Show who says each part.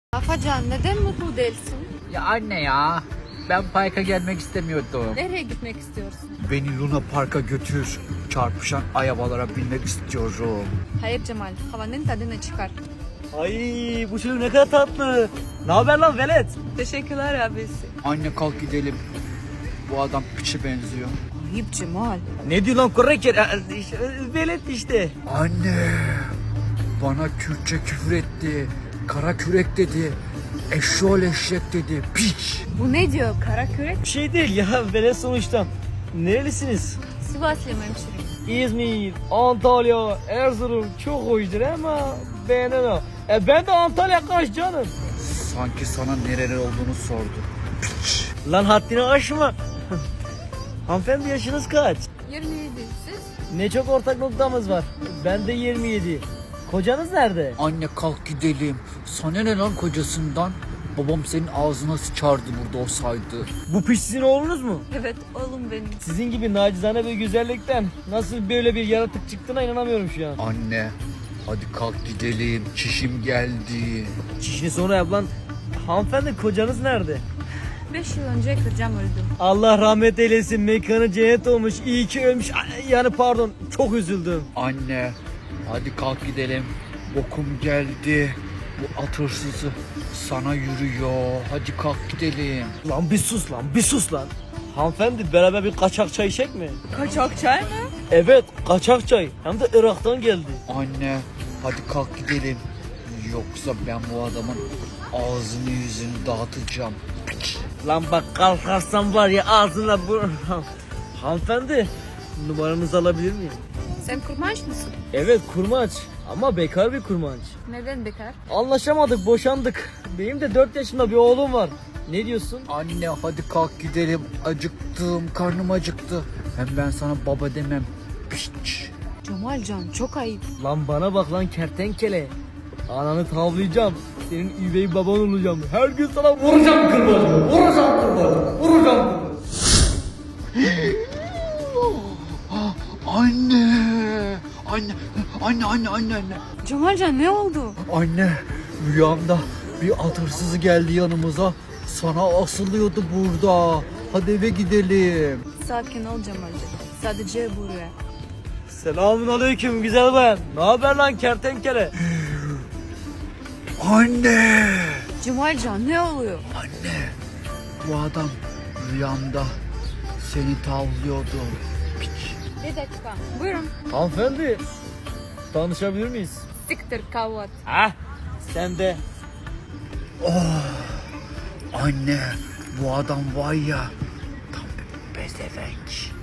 Speaker 1: Afacan neden mutlu değilsin?
Speaker 2: Ya anne ya. Ben parka gelmek istemiyordum.
Speaker 1: Nereye gitmek istiyorsun?
Speaker 2: Beni Luna Park'a götür. Çarpışan arabalara binmek istiyorum.
Speaker 1: Hayır Cemal, havanın tadını çıkar.
Speaker 3: Ay bu çocuk ne kadar tatlı. Ne haber lan velet?
Speaker 1: Teşekkürler abisi.
Speaker 2: Anne kalk gidelim. Bu adam piçe benziyor.
Speaker 1: Ayıp Cemal.
Speaker 3: Ne diyor lan korreker? Velet işte.
Speaker 2: Anne. Bana Kürtçe küfür etti. Kara kürek dedi. Eşşoğlu eşek dedi. Piç.
Speaker 1: Bu ne diyor kara kürek?
Speaker 3: Bir şey değil ya velet sonuçta. Nerelisiniz?
Speaker 1: Sivaslıyım hemşire.
Speaker 3: İzmir, Antalya, Erzurum çok hoşdur ama beğenemem. Ben de Antalya kaç canım.
Speaker 2: Sanki sana nereli olduğunu sordu. Piç.
Speaker 3: Lan haddini aşma. Hanımefendi yaşınız kaç?
Speaker 1: 27 siz?
Speaker 3: Ne çok ortak noktamız var. Ben de 27. Kocanız nerede?
Speaker 2: Anne kalk gidelim. Sana ne lan kocasından? Babam senin ağzına sıçardı burada olsaydı.
Speaker 3: Bu piç sizin oğlunuz mu?
Speaker 1: Evet oğlum benim.
Speaker 3: Sizin gibi nacizane bir güzellikten nasıl böyle bir yaratık çıktığına inanamıyorum şu an.
Speaker 2: Anne hadi kalk gidelim. Çişim geldi.
Speaker 3: Çişini sonra yap lan. Hanımefendi kocanız nerede?
Speaker 1: 5 yıl önce kocam öldü.
Speaker 3: Allah rahmet eylesin, mekanı cennet olmuş. İyi ki ölmüş. Yani pardon, çok üzüldüm.
Speaker 2: Anne hadi kalk gidelim. Bokum geldi. Bu at hırsızı sana yürüyor. Hadi kalk gidelim.
Speaker 3: Lan bir sus lan, bir sus lan. Hanımefendi beraber bir kaçak çay içecek mi?
Speaker 1: Kaçak çay mı?
Speaker 3: Evet, kaçak çay. Hem de Irak'tan geldi.
Speaker 2: Anne hadi kalk gidelim. Yoksa ben bu adamın ağzını yüzünü dağıtacağım. Piç.
Speaker 3: Lan bak kalkarsan var ya ağzına bu... Hanımefendi, numaranızı alabilir miyim?
Speaker 1: Sen kurmaş mısın?
Speaker 3: Evet, kurmaç. Ama bekar bir kurmaç.
Speaker 1: Neden bekar?
Speaker 3: Anlaşamadık, boşandık. Benim de 4 yaşında bir oğlum var. Ne diyorsun?
Speaker 2: Anne hadi kalk gidelim. Acıktım, karnım acıktı. Hem ben sana baba demem. Piç.
Speaker 1: Cemalcan çok ayıp.
Speaker 3: Lan bana bak lan kertenkele. Ananı tavlayacağım. Senin üvey baban olacağım. Her gün sana vuracağım kırbacı. Vuracağım kırbacı. Vuracağım kırbacı.
Speaker 2: Anne. Anne.
Speaker 1: Cemalcan ne oldu?
Speaker 2: Anne rüyamda bir at hırsızı geldi yanımıza. Sana asılıyordu burada. Hadi eve gidelim.
Speaker 1: Sakin ol Cemalcan. Sadece buraya.
Speaker 3: Selamun aleyküm güzel bayan. Ne haber lan kertenkele?
Speaker 2: Anne.
Speaker 1: Cemalcan ne oluyor?
Speaker 2: Anne. Bu adam rüyamda seni tavlıyordu. Piç.
Speaker 1: Bir dakika. Buyurun.
Speaker 3: Hanımefendi. Tanışabilir miyiz?
Speaker 1: Siktir kavat.
Speaker 3: Ha? Sen de.
Speaker 2: Anne bu adam var ya tam bir pezevenk.